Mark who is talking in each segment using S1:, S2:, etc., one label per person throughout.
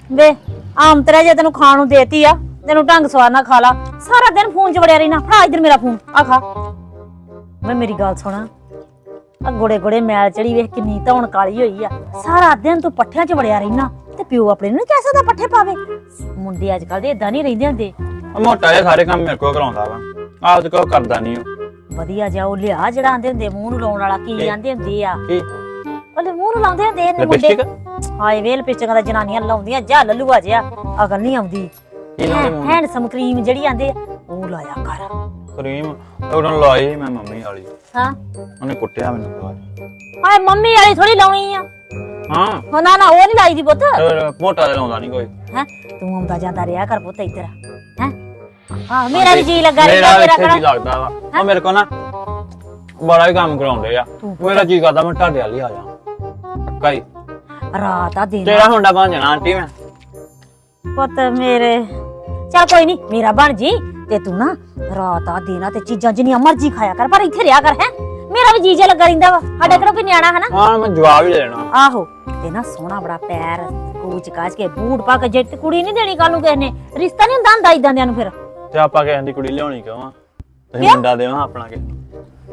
S1: ਵੇ ਆਮ ਤਰ੍ਹਾਂ ਜੇ ਤੈਨੂੰ ਖਾਣ ਨੂੰ ਦੇਤੀ ਆ ਤੈਨੂੰ ਢੰਗ ਸਵਾਰ ਨਾਲ ਖਾ ਲਾ। ਸਾਰਾ ਦਿਨ ਫੋਨ 'ਚ ਵੜਿਆ ਰਹਿਣਾ। ਫੜਾ ਇੱਧਰ ਮੇਰਾ ਫੋਨ ਆ ਖਾ। ਵੇ ਮੇਰੀ ਗੱਲ ਸੁਣਾ, ਆ ਗੋੜੇ ਗੋੜੇ ਮੈਲ ਚੜੀ ਵੇਖ ਕਿੰਨੀ ਧੌਣ ਕਾਲੀ ਹੋਈ ਆ। ਸਾਰਾ ਦਿਨ ਤੂੰ ਪੱਠਿਆਂ 'ਚ ਵੜਿਆ ਰਹਿਣਾ ਤੇ ਪਿਓ ਆਪਣੇ ਨੂੰ ਕਹਿ ਸਕਦਾ ਪੱਠੇ ਪਾਵੇ। ਮੁੰਡੇ ਅੱਜ ਕੱਲ ਦੇ ਏਦਾਂ ਨਹੀਂ ਰਹਿੰਦੇ ਹੁੰਦੇ।
S2: ਮੋਟਾ ਜਿਹਾ ਸਾਰੇ ਕੰਮ ਮੇਰੇ ਕੋਲ ਕਰਾਉਂਦਾ ਵਾ, ਆਪ ਤੇ ਕੋਈ ਕਰਦਾ ਨਹੀਂ ਉਹ।
S1: ਵਧੀਆ ਜਿਹਾ ਉਹ ਲਿਆ ਜਿਹੜਾ ਆਂਦੇ ਹੁੰਦੇ ਮੂੰਹ ਨੂੰ ਲਾਉਣ ਵਾਲਾ, ਕੀ ਆਂਦੇ ਹੁੰਦੇ ਆ
S2: ਕੀ
S1: ਉਹਦੇ ਮੂੰਹ ਨੂੰ ਲਾਉਂਦੇ ਹੁੰਦੇ ਨੇ ਮੁੰਡੇ। ਹਾਏ ਵੇਲ ਪਿਚਕਾਂ ਦਾ ਜਨਾਨੀਆਂ ਲਾਉਂਦੀਆਂ ਜਾ ਲੱਲੂਆ ਜਿਹਾ, ਅਕਲ ਨਹੀਂ ਆਉਂਦੀ। ਹੈਂਡਸਮ ਕਰੀਮ ਜਿਹੜੀ ਆਂਦੇ ਆ ਉਹ ਲਾਇਆ ਕਰ।
S2: ਕਰੀਮ ਉਹਨਾਂ ਲਾਈ ਮੈਂ ਮੰਮੀ ਵਾਲੀ।
S1: ਹਾਂ
S2: ਉਹਨੇ ਕੁੱਟਿਆ ਮੈਨੂੰ ਬਾਅਦ।
S1: ਹਾਏ ਮੰਮੀ ਵਾਲੀ ਥੋੜੀ ਲਾਉਣੀ ਆ।
S2: ਹਾਂ
S1: ਨਾ ਨਾ ਉਹ ਨਹੀਂ ਲਾਈ ਦੀ ਪੁੱਤ।
S2: ਮੋਟਾ ਜਿਹਾ ਲਾਉਂਦਾ ਨਹੀਂ ਕੋਈ।
S1: ਹੈ ਤੂੰ ਆਉਂਦਾ ਜਾਂਦਾ ਰਿਹਾ ਕਰ ਪੁੱਤ ਇੱਧਰ। ਹੈ ਹਾਂ ਮੇਰਾ ਵੀ ਜੀ ਲੱਗਾ ਰਹਿੰਦਾ।
S2: ਮੇਰਾ ਕਿਹੜਾ ਲੱਗਦਾ ਵਾ ਉਹ ਮੇਰੇ ਕੋਲ ਨਾ ਬੜਾ ਹੀ ਕੰਮ ਕਰਾਉਂਦੇ ਆ। ਮੇਰਾ ਜੀ ਕਰਦਾ ਮੈਂ ਤੁਹਾਡੇ ਵਾਲੀ ਆ ਜਾ ਪੱਕਾ ਹੀ।
S1: ਰਾਤ ਆ ਦਿਨ
S2: ਤੇਰਾ ਮੁੰਡਾ ਬਣ ਜਾਣਾ ਆਂਟੀ ਮੈਂ।
S1: ਪੁੱਤ ਮੇਰੇ ਚੱਲ ਕੋਈ ਨਹੀਂ ਮੇਰਾ ਬਣ ਜੀ। ਤੇ ਤੂੰ ਨਾ ਰਾਤ ਆ ਦਿਨ ਤੇ ਚੀਜ਼ਾਂ ਜਿੰਨੀਆਂ ਮਰਜ਼ੀ ਖਾਇਆ ਕਰ, ਪਰ ਇੱਥੇ ਰਿਹਾ ਕਰ। ਹੈ ਮੇਰਾ ਵੀ ਜੀਜਾ ਲੱਗਾ ਰਹਿੰਦਾ ਵਾ। ਸਾਡੇ ਕਿਹੜਾ ਕੋਈ ਨਿਆਣਾ ਹੈ ਨਾ।
S2: ਹਾਂ ਮੈਂ ਜਵਾਬ ਹੀ ਦੇਣਾ।
S1: ਆਹੋ ਤੇ ਨਾ ਸੋਹਣਾ ਬੜਾ ਪੈਰ ਕੂਚ ਕਾਚ ਕੇ ਬੂਟ ਪਾ ਕੇ ਜੱਟ ਕੁੜੀ ਨਹੀਂ ਦੇਣੀ ਕੱਲ ਨੂੰ ਕਿਸੇ ਨੇ। ਰਿਸ਼ਤਾ ਨਹੀਂ ਹੁੰਦਾ ਇਦਾਂ ਦਿਆਂ ਨੂੰ। ਫਿਰ
S2: ਤੇ ਆਪਾਂ ਕਿਸੇ ਦੀ ਕੁੜੀ ਲਿਆਉਣੀ ਕਿਉਂ ਆ? ਤੁਸੀਂ ਮੁੰਡਾ ਦੇਵਾ ਆਪਣਾ ਕਿਸੇ ਨੂੰ।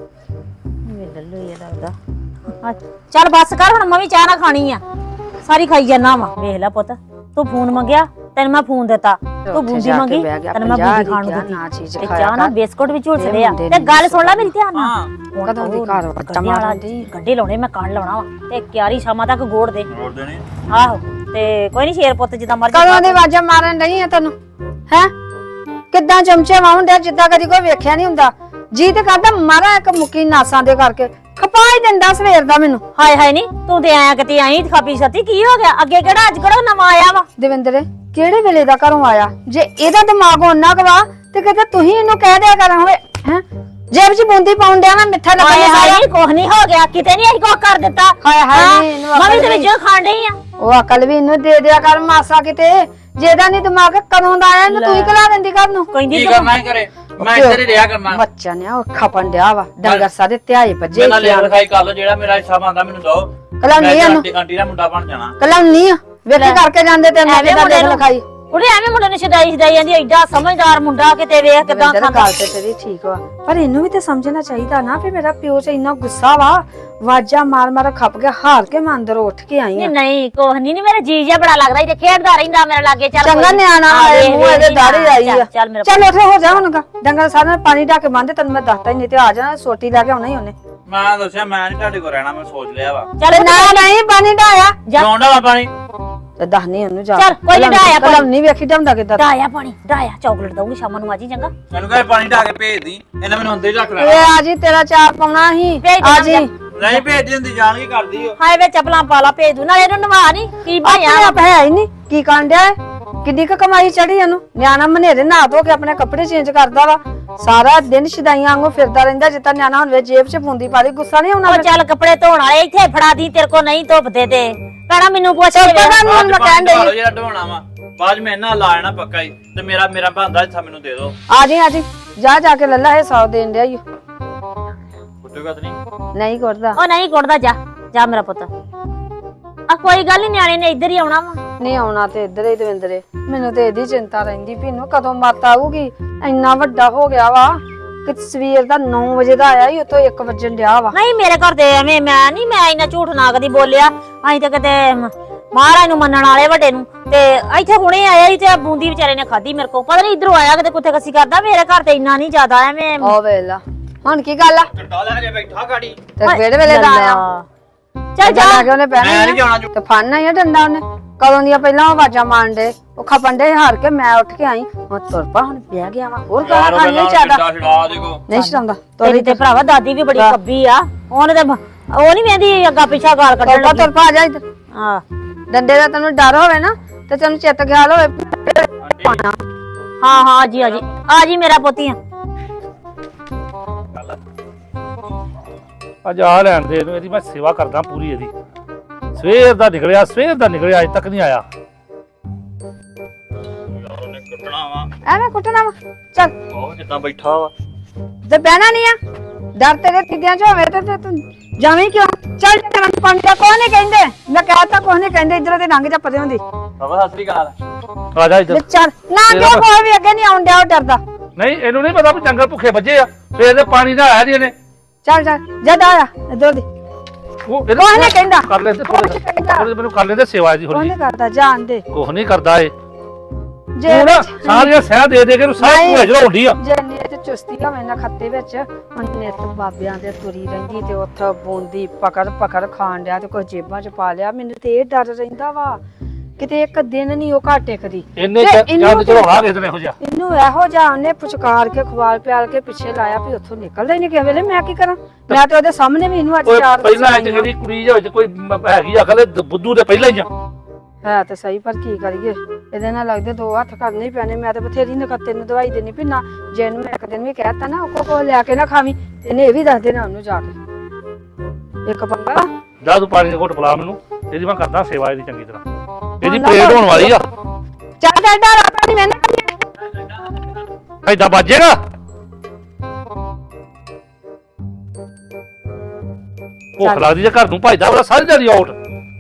S1: ਲੱਲੂ ਇਹ ਲੱਗਦਾ। ਚੱਲ ਬੱਸ ਕਰ ਹੁਣ, ਮੈਂ ਵੀ ਚਾਹ ਨਾ ਖਾਣੀ ਆ। ਸਾਰੀ ਖਾਈ ਜਾਣਾ ਵਾ। ਵੇਖ ਲੈ ਪੁੱਤ ਤੂੰ ਫੋਨ ਮੰਗਿਆ ਤੈਨੂੰ ਮੈਂ ਫੋਨ ਦਿੱਤਾ, ਤੂੰ ਬੂੰਦੀ ਮੰਗੀ ਤੈਨੂੰ ਮੈਂ ਬੂੰਦੀ ਖਾਣ ਨੂੰ ਦਿੱਤੀ। ਤੇ ਚਾਹ ਨਾ ਬਿਸਕੁਟ ਵੀ ਝੁਲਸਦੇ ਆ। ਤੇ ਗੱਲ ਸੁਣ ਲੈ ਮੇਰੀ ਧਿਆਨ ਨਾਲ।
S3: ਕਦੋਂ ਦੀ ਘਰ ਵੱਟਾ ਮਾਰਦੀ
S1: ਗੱਡੇ ਲਾਉਣੇ ਮੈਂ ਕੰਨ ਲਾਉਣਾ ਵਾ ਤੇ ਕਿਆਰੀ ਸ਼ਾਮਾਂ ਤੱਕ ਗੋੜ ਦੇ।
S2: ਗੋੜ ਦੇਣੇ
S1: ਆਹੋ ਤੇ ਕੋਈ ਨਹੀਂ ਸ਼ੇਰ ਪੁੱਤ ਜਿੱਦਾਂ ਮਰਜ਼ੀ।
S3: ਕਦੋਂ ਦੀ ਆਵਾਜ਼ਾਂ ਮਾਰਨ ਰਹੀ ਆ ਤੈਨੂੰ? ਹੈ ਕਿੱਦਾਂ ਚਮਚੇ ਵਾਉਂਦਿਆ ਜਿੱਦਾਂ ਕਦੀ ਕੋਈ ਵੇਖਿਆ ਨਹੀਂ ਹੁੰਦਾ। ਜੀ ਤੇ ਕਰਦਾ ਮਾਰਾ ਇੱਕ ਮੁੱਕੀ ਨਾਸਾਂ ਦੇ ਕਰਕੇ ਖਪਾ ਹੀ ਦਿੰਦਾ ਸਵੇਰ ਦਾ ਮੈਨੂੰ।
S1: ਹਾਏ ਹਾਏ ਨਹੀਂ ਤੂੰ ਤੇ ਆਇਆ ਕਿਤੇ ਆਈ ਖਾਪੀ ਛੱਤੀ ਕੀ ਹੋ ਗਿਆ? ਅੱਗੇ ਕਿਹੜਾ ਅੱਜ ਕਿਹੜਾ ਨਵਾਂ ਆਇਆ ਵਾ?
S3: ਦਵਿੰਦਰ ਕਿਹੜੇ ਵੇਲੇ ਦਾ ਘਰੋਂ ਆਇਆ? ਜੇ ਇਹਦਾ ਦਿਮਾਗ ਉਹਨਾਂ ਕਵਾ ਤੇ ਕਿਤੇ ਤੁਸੀਂ ਇਹਨੂੰ ਕਹਿ ਦਿਆ ਕਰਾਂ ਹੋਵੇ ਹੈ ਜੇਬ 'ਚ ਬੂੰਦੀ ਪਾਉਣ ਡਿਆ ਮੈਂ ਮਿੱਠਾ ਲੱਗਣ
S1: ਹਾਏ ਹਾਏ ਕੁਝ ਨਹੀਂ ਹੋ ਗਿਆ ਕਿਤੇ ਨਹੀਂ ਅਸੀਂ ਕੁਝ ਕਰ ਦਿੱਤਾ।
S3: ਹਾਏ ਹਾਏ
S1: ਮੈਂ ਵੀ ਤੇ ਵਿੱਚੋਂ ਖਾਣ ਡਈ ਆ।
S3: ਉਹ ਅਕਲ ਵੀ ਇਹਨੂੰ ਦੇ ਦਿਆ ਕਰ ਮਾਸਾ ਕਿਤੇ। ਜਿਹਦਾ ਨਹੀਂ ਦਿਮਾਗ ਕਦੋਂ ਦਾ ਆਇਆ ਇਹਨੂੰ ਤੂੰ ਹੀ ਖਲਾ ਦਿੰਦੀ ਘਰ ਨੂੰ।
S2: ਕੀ ਕਰਨਾ ਹੀ ਕਰੇ ਮੈਂ ਇੱਧਰ ਹੀ ਰਿਹਾ ਕਰਨਾ।
S3: ਬੱਚਾ ਨੇ ਉਹ ਖਪਣ ਡਿਆ ਵਾ ਡੰਗਰ ਸਾਰੇ ਧਿਆਏ ਭੱਜੇ।
S2: ਮੈਂ ਲਿਆ ਲਿਖਾਈ ਕਰ ਲਓ ਜਿਹੜਾ ਮੇਰਾ ਹਿੱਸਾ ਬਣਦਾ ਮੈਨੂੰ ਦਿਓ।
S3: ਕਲਾਉਣੀ ਆ
S2: ਆਂਟੀ ਦਾ ਮੁੰਡਾ ਬਣ ਜਾਣਾ।
S3: ਕਲਾਉਣੀ ਆ ਵੇਖੀ ਕਰਕੇ ਜਾਂਦੇ ਤੇ ਮੈਂ ਕਿਹਦਾ ਦੇਖ ਲਿਖਾਈ।
S1: ਉਹਨੇ ਐਵੇਂ ਮੁੰਡੇ ਨੂੰ ਛਦਾਈ ਜਾਂਦੀ ਐਡਾ ਸਮਝਦਾਰ ਮੁੰਡਾ ਕਿਤੇ ਵੇਖ ਕਿਦਾਂ
S3: ਗੱਲ ਤੇ ਤੇਰੀ ਠੀਕ ਵਾ ਪਰ ਇਹਨੂੰ ਵੀ ਤੇ ਸਮਝਣਾ ਚਾਹੀਦਾ ਨਾ ਵੀ ਮੇਰਾ ਪਿਓ 'ਚ ਇੰਨਾ ਗੁੱਸਾ ਵਾ। ਵਾਜਾ ਮਾਰ ਮਾਰ ਖੱਪ ਗਿਆ ਹਾਰ ਕੇ ਮੈਂ ਅੰਦਰ ਉੱਠ ਕੇ ਆਈ ਆ।
S1: ਨਹੀਂ ਕੋਹ ਨਹੀਂ ਮੇਰਾ ਜੀ ਜਿਹਾ ਬੜਾ ਲੱਗਦਾ ਇਹ ਖੇਡਦਾ ਰਹਿੰਦਾ ਮੇਰੇ ਲਾਗੇ। ਚੱਲ
S3: ਚੰਗਾ ਨਿਆਣਾ ਆਏ ਮੂੰਹ ਇਹਦੇ ਦਾੜੀ ਆਈ ਆ।
S1: ਚੱਲ
S3: ਉੱਥੇ ਹੋ ਜਾ ਹੁਣ ਡੰਗਰ ਸਾਰਿਆਂ ਨੇ ਪਾਣੀ ਢਾ ਕੇ ਬੰਨ੍ਹ ਤੈਨੂੰ ਮੈਂ ਦੱਸਤਾ ਹੀ ਨਹੀਂ ਤੇ ਆ ਜਾਣਾ ਸੋਟੀ ਲੈ ਕੇ ਆਉਣਾ ਹੀ ਉਹਨੇ।
S2: ਮੈਂ ਦੱਸਿਆ ਮੈਂ ਨਹੀਂ ਤੁਹਾਡੇ ਕੋਲ ਰਹਿਣਾ ਮੈਂ ਸੋਚ ਲਿਆ ਵਾ।
S1: ਚੱਲ
S3: ਨਾ ਨਹੀਂ ਪਾਣੀ ਢਾਇਆ
S2: ਜਾਉਂਦਾ ਵਾ ਪਾਣੀ
S3: ਤੇ ਦੱਸ ਨਹੀਂ ਉਹਨੂੰ ਜਾ।
S1: ਚੱਲ ਕੋਈ ਨਹੀਂ ਢਾਇਆ
S3: ਪਾਣੀ ਨਹੀਂ ਵੇਖੀ ਢਾਉਂਦਾ ਕਿੱਦਾਂ।
S1: ਢਾਇਆ ਪਾਣੀ ਢਾਇਆ ਚਾਕਲੇਟ ਦਊਂਗੀ ਸ਼ਾਮਾਂ ਨੂੰ ਆ ਜੀ ਚੰਗਾ।
S2: ਮੈਨੂੰ ਕਹੇ ਪਾਣੀ ਢਾ ਕੇ ਭੇਜ ਦੀ ਇਹਨਾਂ ਮੈਨੂੰ ਅੰਦਰ ਹੀ ਰੱਖ ਲੈਣਾ।
S3: ਏ ਆ ਜੀ ਤੇਰਾ ਚਾਰ ਪਾਉਣਾ ਸੀ ਆ ਜੀ।
S2: ਨਹੀਂ ਭੇਜਦੀ ਹੁੰਦੀ ਜਾਣ ਕੀ ਕਰਦੀ ਓ।
S1: ਹਾਏ ਵੇ ਚੱਪਲਾਂ ਪਾ ਲਾ ਭੇਜ ਦੂ ਨਾਲੇ ਇਹਨੂੰ ਨਵਾ ਨਹੀਂ ਕੀ ਭਾਇਆ
S3: ਆਪ ਹੈ ਹੀ ਨਹੀਂ ਕੀ ਕਰਨ ਡਿਆ ਕਿੰਨੀ ਕ ਕਮਾਈ ਚੜੀ ਇਹਨੂੰ। ਨਿਆਣਾ ਮਨੇਰੇ ਨਹਾ ਧੋ ਕੇ ਆਪਣੇ ਕੱਪੜੇ ਚੇਂਜ ਕਰਦਾ ਵਾ ਸਾਰਾ ਦਿਨ ਸ਼ਦਾਈਆਂ ਵਾਂਗੂ ਫਿਰਦਾ ਰਹਿੰਦਾ ਜਿੱਦਾਂ ਨਿਆਣਾ ਹੁਣ ਵੇਚ ਜੇਬ 'ਚ ਫੁੰਦੀ ਪਾ ਲਈ ਗੁੱਸਾ ਨਹੀਂ ਆਉਣਾ।
S1: ਚੱਲ ਕੱਪੜੇ ਧੋਣ ਵਾਲੇ ਇੱਥੇ ਫੜਾ ਦੀ ਤੇਰੇ ਕੋ ਨਹੀਂ ਧੁੱਪਦੇ ਤੇ ਭੈਣਾ ਮੈਨੂੰ ਪੁੱਛ ਕੇ
S3: ਮੈਂ ਕਹਿਣ ਡਈ
S2: ਜਿਹੜਾ ਢਵਾਣਾ ਵਾ ਬਾਅਦ ਮੈਂ ਇਹਨਾਂ ਲਾ ਜਾਣਾ ਪੱਕਾ ਹੀ ਤੇ ਮੇਰਾ ਬੰਦਾ ਹਿੱਸਾ ਮੈਨੂੰ ਦੇ ਦਿਓ।
S3: ਆ ਜੀ ਜਾ ਕੇ ਲੱਲਾ ਇਹ 100 ਦੇਣ ਡਿਆ ਈ
S2: ਕੁੱਟੂਗਾ ਤੇ
S3: ਨਹੀਂ ਕਰਦਾ।
S1: ਉਹ ਨਹੀਂ ਕੁੱਟਦਾ ਜਾ ਮੇਰਾ ਪੁੱਤ। ਆ ਕੋਈ ਗੱਲ ਨਹੀਂ ਨਿਆਣੇ ਨੇ ਇੱਧਰ ਹੀ ਆਉਣਾ ਵਾ।
S3: ਨਹੀਂ ਆਉਣਾ ਤੇ ਇੱਧਰ ਹੀ ਦਵਿੰਦਰੇ ਮੈਨੂੰ ਤੇ ਇਹਦੀ ਚਿੰਤਾ ਰਹਿੰਦੀ ਵੀ ਇਹਨੂੰ ਕਦੋਂ ਮੱਤ ਆਊਗੀ। ਇੰਨਾ ਵੱਡਾ ਹੋ ਗਿਆ ਵਾ ਕਿ ਸਵੇਰ ਦਾ 9 ਵਜੇ ਦਾ ਆਇਆ ਹੀ ਉਤੋਂ 1 ਵਜਣ ਡਿਆ ਵਾ।
S1: ਨਹੀਂ ਮੇਰੇ ਘਰ ਤੇ ਐਵੇਂ ਮੈਂ ਇੰਨਾ ਝੂਠ ਨਾ ਕਦੀ ਬੋਲਿਆ। ਅਸੀਂ ਤਾਂ ਕਿਤੇ ਮਹਾਰਾਜ ਨੂੰ ਮੰਨਣ ਵਾਲੇ ਵੱਡੇ ਨੂੰ ਤੇ ਇੱਥੇ ਹੁਣੇ ਆਇਆ ਸੀ ਤੇ ਬੂੰਦੀ ਵਿਚਾਰੇ ਨੇ ਖਾਧੀ ਮੇਰੇ ਕੋਲ। ਪਤਾ ਨਹੀਂ ਇਧਰੋਂ ਆਇਆ ਕਿਤੇ ਕੁੱਥੇ ਕੱਸੀ ਕਰਦਾ। ਮੇਰੇ ਘਰ ਤੇ ਇੰਨਾ ਨਹੀਂ ਜ਼ਿਆਦਾ ਐਵੇਂ।
S3: ਉਹ ਵੇਲਾ ਹੁਣ ਕੀ ਗੱਲ ਆ
S2: ਘੰਟਾ ਲੈ ਕੇ ਬੈਠਾ ਗਾੜੀ
S3: ਤੇ ਕਿਹੜੇ ਵੇਲੇ ਦਾ ਆਇਆ?
S1: ਚੱਲ ਜਾ
S3: ਕੇ ਉਹਨੇ ਪਹਿਣਾ ਤੇ ਫੜਨਾ ਹੀ ਡੰਡਾ ਉਹਨੇ ਕਦੋਂ ਦੀਆਂ ਪਹਿਲਾਂ ਆਵਾਜ਼ਾਂ ਮਾਰਨ ਦੇ ਉਹ ਖਪਣ ਦੇ ਹਾਰ ਕੇ ਮੈਂ ਉੱਠ ਕੇ ਆਈ। ਮੈਂ ਤੁਰ ਪਾ ਹੁਣ ਬਹਿ ਗਿਆ ਵਾ ਹੋਰ ਗਾਲਾਂ ਖਾਣੀਆਂ ਚਾਹਦਾ ਨਹੀਂ ਛਡਾਉਂਦਾ।
S1: ਤੇਰੀ ਤੇ ਭਰਾਵਾ ਦਾਦੀ ਵੀ ਬੜੀ ਕੱਬੀ ਆ। ਉਹਨੇ ਤੇ ਉਹ ਨਹੀਂ ਵੇਂਦੀ ਅੱਗਾ ਪਿੱਛਾ ਗਾਲ ਕੱਢਣ ਲੱਗੀ।
S3: ਤੁਰ ਪਾ ਜਾ ਇੱਧਰ।
S1: ਹਾਂ
S3: ਡੰਡੇ ਦਾ ਤੈਨੂੰ ਡਰ ਹੋਵੇ ਨਾ ਤੇ ਤੈਨੂੰ ਚਿੱਤ ਖਿਆਲ ਹੋਵੇ।
S1: ਹਾਂ ਜੀ ਆ ਜੀ ਮੇਰਾ ਪੋਤੀਆ
S4: ਅੱਜ ਆ ਲੈਣ ਦੇ ਇਹਨੂੰ ਇਹਦੀ ਮੈਂ ਸੇਵਾ ਕਰਦਾ ਪੂਰੀ ਇਹਦੀ। ਸਵੇਰ ਦਾ ਨਿਕਲਿਆ ਅਜੇ ਤੱਕ ਨਹੀਂ ਆਇਆ।
S2: ਕੁੱਟਣਾ ਵਾ
S3: ਐਵੇਂ ਕੁੱਟਣਾ ਵਾ ਚੱਲ
S2: ਉਹ ਜਿੱਦਾਂ ਬੈਠਾ ਵਾ
S3: ਤੇ ਬਹਿਣਾ ਨਹੀਂ ਆ। ਡਰ ਤੇਰੇ ਤਿੱਦਿਆਂ 'ਚ ਹੋਵੇ ਤੇ ਤੂੰ ਜਾਵੇਂ ਕਿਉਂ? ਚੱਲ ਤੇਰਾ ਪਾਣੀ ਦਾ ਕੋਈ ਨਹੀਂ ਕਹਿੰਦੇ ਮੈਂ ਕਹਿਤਾ ਕੋਈ ਨਹੀਂ ਕਹਿੰਦੇ ਇਧਰੋਂ ਤੇ ਲੰਘ ਜਾ ਪਰੇ ਹੁੰਦੀ
S2: ਬਾਬਾ ਸਤਿ ਸ੍ਰੀ ਅਕਾਲ।
S4: ਆ ਜਾ ਇੱਧਰ।
S3: ਤੇ ਚੱਲ ਨਾ ਕਿਉਂ ਕੋਈ ਵੀ ਅੱਗੇ ਨਹੀਂ ਆਉਣ ਡਿਆ ਉਹ ਡਰਦਾ
S4: ਨਹੀਂ ਇਹਨੂੰ ਨਹੀਂ ਪਤਾ ਵੀ ਜੰਗਲ ਭੁੱਖੇ ਵੱਜੇ ਆ ਫੇਰ ਇਹਦੇ ਪਾਣੀ ਦਾ ਆਇਆ ਜੀ ਇਹਨੇ
S3: ਚੱਲ ਜਦ ਆਇਆ ਇਧਰੋਂ ਦੀ
S4: ਉਹ
S3: ਕੋਈ ਨਹੀਂ ਕਹਿੰਦਾ
S4: ਕਰ ਲੈਂਦੇ ਥੋੜੇ ਮੈਨੂੰ ਕਰ ਲੈਂਦੇ ਸੇਵਾ ਜੀ
S3: ਕੋਈ
S4: ਥੋੜੀ
S3: ਨਹੀਂ ਕਰਦਾ ਜਾਣ ਦੇ
S4: ਕੁਛ ਨਹੀਂ ਕਰਦਾ ਇਹ
S3: ਜੇ
S4: ਤੂੰ ਨਾ ਸਾਰੀਆਂ ਸਹਿ ਦੇ ਕੇ ਇਹਨੂੰ ਸਾਰੀ
S3: ਨਹੀਂ।
S4: ਭੂਆ ਹੁੰਦੀ ਆ
S3: ਜੇ ਨੀਤ ਤੇ ਚੁਸਤੀ ਹੋਵੇ ਨਾ ਖੱਤੇ ਵਿੱਚ ਹੁਣ ਨਿੱਤ ਬਾਬਿਆਂ ਦੇ ਤੁਰੀ ਰਹਿੰਦੀ ਤੇ ਉੱਥੇ ਬੂੰਦੀ ਪਕੜ ਖਾਣ ਡਿਆ ਤੇ ਕੋਈ ਜੇਬਾਂ 'ਚ ਪਾ ਲਿਆ ਮੈਨੂੰ ਤੇ ਇਹ ਡਰ ਰਹਿੰਦਾ ਵਾ ਕਿਤੇ ਇੱਕ ਦਿਨ ਨਹੀਂ ਉਹ ਘਾਟੇ ਕਦੀ
S4: ਇਹਨੇ
S3: ਤੇ ਇਹਨੂੰ
S4: ਜੰਦ ਚੜਾਉਣਾ ਕਿਸੇ ਦਿਨ ਇਹੋ ਜਿਹਾ
S3: ਇਹਨੂੰ ਇਹੋ ਜਿਹਾ ਉਹਨੇ ਪੁਚਕਾਰ ਕੇ ਖਵਾਲ ਪਿਆਲ ਕੇ ਪਿੱਛੇ ਲਾਇਆ ਵੀ ਉੱਥੋਂ ਨਿਕਲਦਾ ਹੀ ਨਹੀਂ ਕਿਸੇ ਵੇਲੇ ਮੈਂ ਕੀ ਕਰਾਂ ਮੈਂ ਤੇ ਉਹਦੇ ਸਾਹਮਣੇ ਵੀ ਇਹਨੂੰ ਅੱਜ
S4: ਕੋਈ
S3: ਚਾਰ
S4: ਪਹਿਲਾਂ ਅੱਜ ਇਹਦੀ ਕੁੜੀ ਜਿਹੀ ਕੋਈ ਹੈਗੀ ਆ ਕਦੇ ਬੁੱਧੂ ਦੇ ਪਹਿਲਾਂ ਹੀ ਆ
S3: ਹੈ ਤੇ ਸਹੀ ਪਰ ਕੀ ਕਰੀਏ ਇਹਦੇ ਨਾਲ ਲੱਗਦੇ ਦੋ ਹੱਥ ਕਰਨੇ ਹੀ ਪੈਣੇ ਮੈਂ ਤੇ ਬਥੇਰੀ ਨਕਤੇ ਨੂੰ ਦਵਾਈ ਦੇਣੀ ਵੀ ਨਾ ਜੇ ਇਹਨੂੰ ਮੈਂ ਇੱਕ ਦਿਨ ਵੀ ਕਹਿਤਾ ਨਾ ਉਹ ਕੋ ਲਿਆ ਕੇ ਨਾ ਖਾਵੀਂ ਇਹਨੇ ਇਹ ਵੀ ਦੱਸ ਦੇਣਾ ਉਹਨੂੰ ਜਾ ਕੇ ਇੱਕ ਪੰਗਾ
S4: ਜਾ ਤੂੰ ਪਾਣੀ ਦਾ ਘੁੱਟ ਪਿਲਾ ਮੈਨੂੰ ਇਹਦੀ ਮੈਂ ਕਰਦਾ ਸੇਵਾ ਇਹਦੀ ਚੰਗੀ ਤਰ੍ਹਾਂ ਇਹਦੀ ਪਲੇਟ ਹੋਣ ਵਾਲੀ ਆ
S3: ਚੱਲ ਡਾਡਾ ਰਾਤਾ ਨਹੀਂ ਮੈਨੇ
S4: ਐਦਾਂ ਵੱਜੇਗਾ ਭੁੱਖ ਲੱਗਦੀ ਜੇ ਘਰ ਨੂੰ ਭਜਦਾ ਬੜਾ ਸਾਰੀ ਦਿਹਾੜੀ ਆਊਟ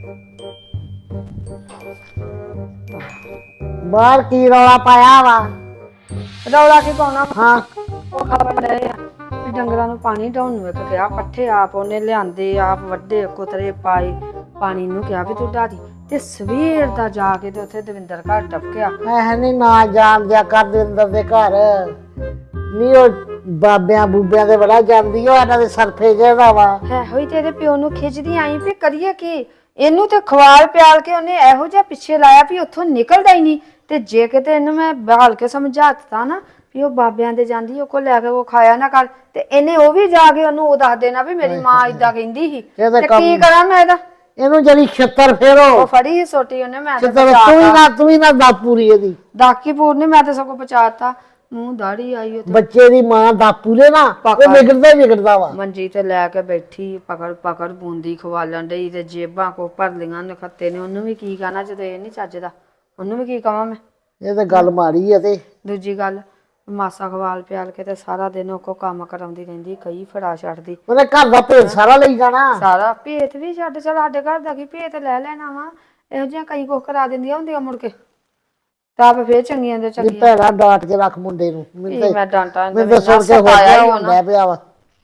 S5: ਬਾਹਰ ਕੀ ਰੌਲਾ ਪਾਇਆ ਵਾ?
S3: ਰੌਲਾ ਕੀ ਪਾਉਣਾ
S5: ਹਾਂ
S3: ਉਹ ਖਬਰ ਰਹੇ ਆ ਵੀ ਡੰਗਰਾਂ ਨੂੰ ਪਾਣੀ ਢਾਉਣ ਨੂੰ ਇੱਕ ਕਿਹਾ ਪੱਠੇ ਆਪ ਉਹਨੇ ਲਿਆਂਦੇ ਆਪ ਵੱਡੇ ਕੁਤਰੇ ਪਾਏ ਪਾਣੀ ਨੂੰ ਕਿਹਾ ਵੀ ਤੂੰ ਢਾਦੀ ਤੇ ਸਵੇਰ ਦਾ ਜਾ ਕੇ ਤੇ ਉੱਥੇ ਦਵਿੰਦਰ ਘਰ ਟਪਕਿਆ
S5: ਮੈਂ ਨਹੀਂ ਨਾ ਜਾਣ ਦਿਆ ਕਰ ਦਿੰਦਰ ਦੇ ਘਰ ਨਹੀਂ ਉਹ ਬਾਬਿਆਂ ਬੂਬਿਆਂ ਦੇ ਬੜਾ ਜਾਂਦੀ ਉਹ ਇਹਨਾਂ ਦੇ ਸਰਫੇ ਜਿਹੜਾ ਵਾ
S3: ਹੈ ਹੋਈ ਤੇ ਇਹਦੇ ਪਿਓ ਨੂੰ ਖਿੱਚਦੀ ਆਈ ਵੀ ਕਰੀਏ ਕੀ ਇਹਨੂੰ ਤੇ ਖਵਾਲ ਪਿਆਲ ਕੇ ਉਹਨੇ ਇਹੋ ਜਿਹਾ ਪਿੱਛੇ ਲਾਇਆ ਵੀ ਉੱਥੋਂ ਨਿਕਲਦਾ ਹੀ ਨਹੀਂ ਤੇ ਜੇ ਕਿਤੇ ਇਹਨੂੰ ਮੈਂ ਬਹਾਲ ਕੇ ਸਮਝਾਤਾ ਨਾ ਵੀ ਉਹ ਬਾਬਿਆਂ ਦੇ ਜਾਂਦੀ ਉਹ ਕੋ ਲੈ ਕੇ ਉਹ ਖਾਇਆ ਨਾ ਕਰ ਤੇ ਇਹਨੇ ਉਹ ਵੀ ਜਾ ਕੇ ਉਹਨੂੰ ਉਹ ਦੱਸ ਦੇਣਾ ਵੀ ਮੇਰੀ ਮਾਂ ਇਦਾਂ ਕਹਿੰਦੀ ਸੀ ਤੇ ਕੀ ਕਰਾਂ ਮੈਂ ਇਹਦਾ
S5: ਇਹਨੂੰ ਜਿਹੜੀ ਛੱਤਰ ਫੇਰੋ
S3: ਉਹ ਫੜੀ ਸੀ ਸੋਟੀ ਉਹਨੇ ਮੈਂ
S5: ਛੱਤਰ ਤੂੰ ਹੀ ਨਾ ਦਾਪੂਰੀ ਇਹਦੀ
S3: ਦਾਕੀਪੁਰ ਨੇ ਮੈਂ ਤੇ ਸਗੋਂ ਬਚਾਤਾ ਮੂੰਹ ਦਾੜੀ ਆਈ ਉਹ
S5: ਬੱਚੇ ਦੀ ਮਾਂ ਦਾਪੂਰੇ ਨਾ ਉਹ ਵਿਗੜਦਾ ਵਾ
S3: ਮੰਜੀ ਤੇ ਲੈ ਕੇ ਬੈਠੀ ਪਕੜ ਬੂੰਦੀ ਖਵਾਲਣ ਡਈ ਤੇ ਜੇਬਾਂ ਕੋ ਭਰ ਲੀਆਂ ਨਖੱਤੇ ਨੇ ਉਹਨੂੰ ਵੀ ਕੀ ਕਹਿਣਾ ਜਦੋਂ ਇਹ ਨਹੀਂ ਚੱਜਦਾ ਉਹਨੂੰ ਵੀ ਕੀ ਕਵਾਂ ਮੈਂ
S5: ਇਹ ਤਾਂ ਗੱਲ ਮਾੜੀ ਆ ਤੇ
S3: ਦੂਜੀ ਗੱਲ ਮਾਸਾ ਖਵਾਲ ਪਿਆਲ ਕੇ ਤੇ ਸਾਰਾ ਦਿਨ ਉਹ ਕੋ ਕੰਮ ਕਰਾਉਂਦੀ ਰਹਿੰਦੀ ਕਈ ਫੜਾ ਛੱਡਦੀ
S5: ਉਹਨੇ ਘਰ ਦਾ ਭੇਤ ਸਾਰਾ ਲਈ ਜਾਣਾ
S3: ਸਾਰਾ ਭੇਤ ਵੀ ਛੱਡ ਚਲ ਸਾਡੇ ਘਰ ਦਾ ਕੀ ਭੇਤ ਲੈ ਲੈਣਾ ਵਾ ਇਹੋ ਜਿਹੀਆਂ ਕਈ ਕੁਛ ਕਰਾ ਦਿੰਦੀਆਂ ਹੁੰਦੀਆਂ ਮੁੜ ਕੇ ਤਾਂ ਫੇਰ ਚੰਗੀਆਂ ਦੇ
S5: ਇਹ
S3: ਚੰਗੀਆਂ
S5: ਭੈੜਾ ਡਾਟ ਕੇ ਰੱਖ ਮੁੰਡੇ ਨੂੰ
S3: ਇਹ ਮੈਂ ਡਾਂਟਾਂ
S5: ਮੈਂ ਤਾਂ ਸੁਣ ਕੇ ਹੋ ਗਿਆ ਹੁੰਦਾ ਪਿਆ ਵਾ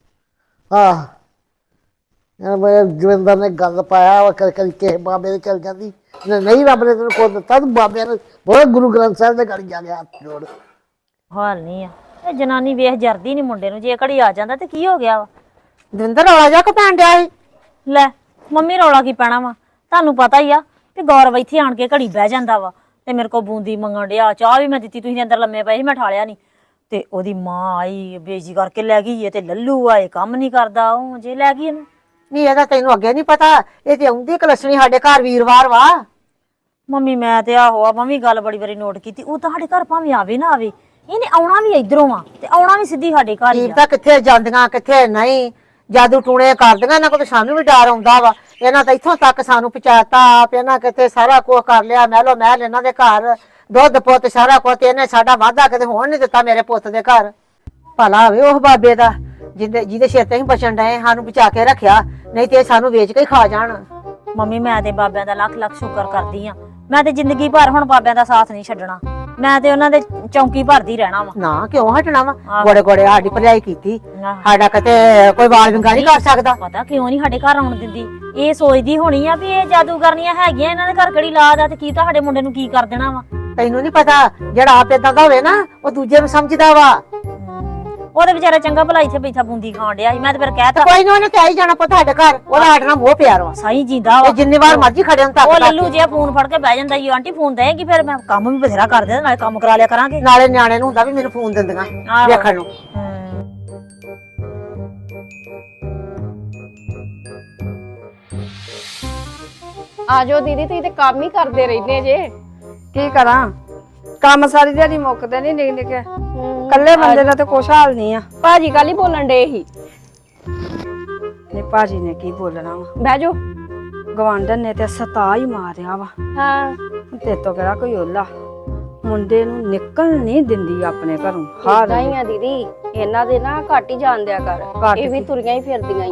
S5: ਮੈਂ ਜਵਿੰਦਰ ਨੇ ਗੱਲ ਪਾਇਆ ਵਾ ਕਦੀ ਕਿਸੇ ਬਾਬੇ ਦੇ ਚਲ ਜਾਂਦੀ ਨਹੀਂ ਰੱਬ ਨੇ ਤੈਨੂੰ ਖੁਦ ਦਿੱਤਾ ਤੂੰ ਬਾਬਿਆਂ ਨੇ ਬਹੁਤ ਗੁਰੂ ਗ੍ਰੰਥ ਸਾਹਿਬ ਦੇ ਗੜ ਜਾ ਗਿਆ ਹੱਥ ਜੋੜ
S1: ਹਾਲ ਨਹੀਂ ਆ ਇਹ ਜਨਾਨੀ ਵੇਖ ਜਰਦੀ ਨਹੀਂ ਮੁੰਡੇ ਨੂੰ ਜੇ ਘੜੀ ਆ ਜਾਂਦਾ ਤੇ ਕੀ ਹੋ ਗਿਆ ਵਾ
S5: ਦਵਿੰਦਰ ਰੌਲਾ ਜਾ ਕੇ ਪੈਣ ਡਿਆ ਸੀ
S1: ਲੈ ਮੰਮੀ ਰੌਲਾ ਕੀ ਪੈਣਾ ਵਾ ਤੁਹਾਨੂੰ ਪਤਾ ਹੀ ਆ ਕਿ ਗੌਰਵ ਇੱਥੇ ਆਣ ਕੇ ਘੜੀ ਬਹਿ ਜਾਂਦਾ ਵਾ ਤੇ ਮੇਰੇ ਕੋ ਬੂੰਦੀ ਮੰਗਣ ਡਿਆ ਚਾਹ ਵੀ ਮੈਂ ਦਿੱਤੀ ਤੁਸੀਂ ਅੰਦਰ ਲੰਮੇ ਪਏ ਸੀ ਮੈਂ ਠਾਲਿਆ ਨਹੀਂ ਤੇ ਉਹਦੀ ਮਾਂ ਆਈ ਬੇਇੱਜ਼ਤੀ ਕਰਕੇ ਲੈ ਗਈ ਇਹ ਤੇ ਲੱਲੂ ਆ ਇਹ ਕੰਮ ਨਹੀਂ ਕਰਦਾ ਉਹ ਜੇ ਲੈ ਗਈ ਇਹਨੂੰ
S5: ਨਹੀਂ ਇਹਦਾ ਤੈਨੂੰ ਅੱਗੇ ਨਹੀਂ ਪਤਾ ਇਹ ਤੇ ਆਉਂਦੀ ਕਲਸਣੀ ਸਾਡੇ ਘਰ ਵੀਰਵਾਰ ਵਾ
S1: ਮੰਮੀ ਮੈਂ ਤੇ ਆਹੋ ਆ ਮੰਮੀ ਗੱਲ ਬੜੀ ਵਾਰੀ ਨੋਟ ਕੀਤੀ ਉਹ ਤੁਹਾਡੇ ਘਰ ਭਾਵੇਂ ਆਵੇ ਨਾ ਆਵੇ ਇਹਨੇ ਆਉਣਾ ਵੀ ਇਧਰੋਂ ਆ ਤੇ ਆਉਣਾ ਵੀ ਸਿੱਧੀ ਸਾਡੇ ਘਰ ਹੀ ਆ
S5: ਤਾਂ ਕਿੱਥੇ ਜਾਂਦੀਆਂ ਕਿੱਥੇ ਨਹੀਂ ਜਾਦੂ ਟੂਣੇ ਕਰਦੀਆਂ ਇਹਨਾਂ ਕੋਲ ਸਾਨੂੰ ਵੀ ਡਰ ਆਉਂਦਾ ਵਾ ਇਹਨਾਂ ਤਾਂ ਇੱਥੋਂ ਤੱਕ ਸਾਨੂੰ ਪਹੁੰਚਾਤਾ ਆਪ ਇਹਨਾਂ ਕਿਤੇ ਸਾਰਾ ਕੁਝ ਕਰ ਲਿਆ ਮਹਿਲ ਇਹਨਾਂ ਦੇ ਘਰ ਦੁੱਧ ਪੁੱਤ ਸਾਰਾ ਕੁਝ ਇਹਨੇ ਸਾਡਾ ਵਾਅਦਾ ਕਿਤੇ ਹੋਣ ਨਹੀਂ ਦਿੱਤਾ ਮੇਰੇ ਪੁੱਤ ਦੇ ਘਰ ਭਲਾ ਹੋਵੇ ਉਹ ਬਾਬੇ ਦਾ ਜਿਹਦੇ ਸਿਰ ਤੇ ਅਸੀਂ ਬਚਣ ਡਏ ਸਾਨੂੰ ਬਚਾ ਕੇ ਰੱਖਿਆ ਨਹੀਂ ਤੇ ਸਾਨੂੰ ਵੇਚ ਕੇ ਹੀ ਖਾ ਜਾਣ
S1: ਮੰਮੀ ਮੈਂ ਤੇ ਬਾਬਿਆਂ ਦਾ ਲੱਖ ਲੱਖ ਸ਼ੁਕਰ ਕਰਦੀ ਆ ਮੈਂ ਤੇ ਜ਼ਿੰਦਗੀ ਭਰ ਹੁਣ ਬਾਬਿਆਂ ਦਾ ਸਾਥ ਨਹੀਂ ਛੱਡਣਾ ਮੈਂ ਤੇ ਉਹਨਾਂ ਦੇ ਚੌਂਕੀ ਭਰਦੀ ਰਹਿਣਾ ਵਾ
S5: ਨਾ ਕਿਉਂ ਹਟਣਾ ਵਾ ਗੋੜੇ ਗੋੜੇ ਸਾਡੀ ਭਰਜਾਈ ਕੀਤੀ ਸਾਡਾ ਕਿਤੇ ਕੋਈ ਵਾਲ ਵਿੰਗਾ ਨਹੀਂ ਕਰ ਸਕਦਾ
S1: ਪਤਾ ਕਿਉਂ ਨਹੀਂ ਸਾਡੇ ਘਰ ਆਉਣ ਦਿੰਦੀ ਇਹ ਸੋਚਦੀ ਹੋਣੀ ਆ ਵੀ ਇਹ ਜਾਦੂਗਰਨੀਆਂ ਹੈਗੀਆਂ ਇਹਨਾਂ ਦੇ ਘਰ ਕਿਹੜੀ ਲਾਦ ਆ ਤੇ ਕੀ ਤੁਹਾਡੇ ਮੁੰਡੇ ਨੂੰ ਕੀ ਕਰ ਦੇਣਾ ਵਾ
S5: ਤੈਨੂੰ ਨਹੀਂ ਪਤਾ ਜਿਹੜਾ ਆਪ ਏਦਾਂ ਦਾ ਹੋਵੇ ਨਾ ਉਹ ਦੂਜੇ ਨੂੰ ਸਮਝਦਾ ਵਾ
S1: ਉਹਦੇ ਵਿਚਾਰਾ ਚੰਗਾ ਭਲਾ ਇੱਥੇ ਬੈਠਾ ਬੂੰਦੀ ਖਾਣ ਡਿਆ ਸੀ ਮੈਂ ਤੇ ਫਿਰ ਕਹਿਤਾ
S5: ਕੋਈ ਨਾ ਉਹਨੇ ਕਹਿ ਹੀ ਜਾਣਾ ਪੁੱਤ ਸਾਡੇ ਘਰ ਉਹਦਾ ਸਾਡੇ ਨਾਲ ਮੋਹ ਪਿਆਰ ਵਾ
S1: ਸਹੀ ਜਿੰਦਾ ਵਾ
S5: ਇਹ ਜਿੰਨੀ ਵਾਰ ਮਰਜ਼ੀ ਖੜੇ ਹੁਣ ਤੱਕ
S1: ਉਹ ਲੱਲੂ ਜਿਹਾ ਫੋਨ ਫੜ ਕੇ ਬਹਿ ਜਾਂਦਾ ਈ ਆਂਟੀ ਫੋਨ ਦੇਗੀ ਫਿਰ ਮੈਂ ਕੰਮ ਵੀ ਬਥੇਰਾ ਕਰ ਦਿੰਦਾ ਨਾਲੇ ਕੰਮ ਕਰਾ ਲਿਆ ਕਰਾਂਗੇ
S5: ਨਾਲੇ ਨਿਆਣੇ ਨੂੰ ਹੁੰਦਾ ਵੀ ਮੈਨੂੰ ਫੋਨ ਦਿੰਦੀਆਂ ਵੇਖਣ ਨੂੰ
S6: ਆਜੋ ਦੀਦੀ ਤੁਸੀਂ ਤੇ ਕੰਮ ਹੀ ਕਰਦੇ ਰਹਿੰਦੇ ਜੇ
S3: ਕੀ ਕਰਾਂ ਕੰਮ ਸਾਰੀ ਦਿਹਾੜੀ ਮੁੱਕਦੇ ਨਹੀਂ ਨਿਕ ਨਿਕੇ ਕੱਲੇ ਬੰਦੇ ਦਾ ਤੇ ਕੁਛ ਹਾਲ ਨਹੀਂ ਆ
S6: ਭਾਜੀ ਕੱਲ ਹੀ ਬੋਲਣ ਡੇ ਸੀ
S3: ਨੇ ਭਾਜੀ ਨੇ ਕੀ ਬੋਲਣਾ ਵਾ
S6: ਬਹਿ ਜਾਓ
S3: ਗਵਾਂਢਣ ਨੇ ਤੇ ਸਤਾ ਹੀ ਮਾਰਿਆ ਵਾ
S6: ਹਾਂ
S3: ਤੇ ਤੋਂ ਕਿਹੜਾ ਕੋਈ ਓਲਾ ਮੁੰਡੇ ਨੂੰ ਨਿਕਲ ਨਹੀਂ ਦਿੰਦੀ ਆਪਣੇ ਘਰੋਂ ਹਾਰ
S6: ਨਹੀਂ ਆ ਦੀਦੀ ਇਹਨਾਂ ਦੇ ਨਾ ਘੱਟ ਹੀ ਜਾਣ ਦਿਆ ਕਰ ਇਹ ਵੀ ਤੁਰੀਆਂ ਹੀ ਫਿਰਦੀਆਂ ਹੀ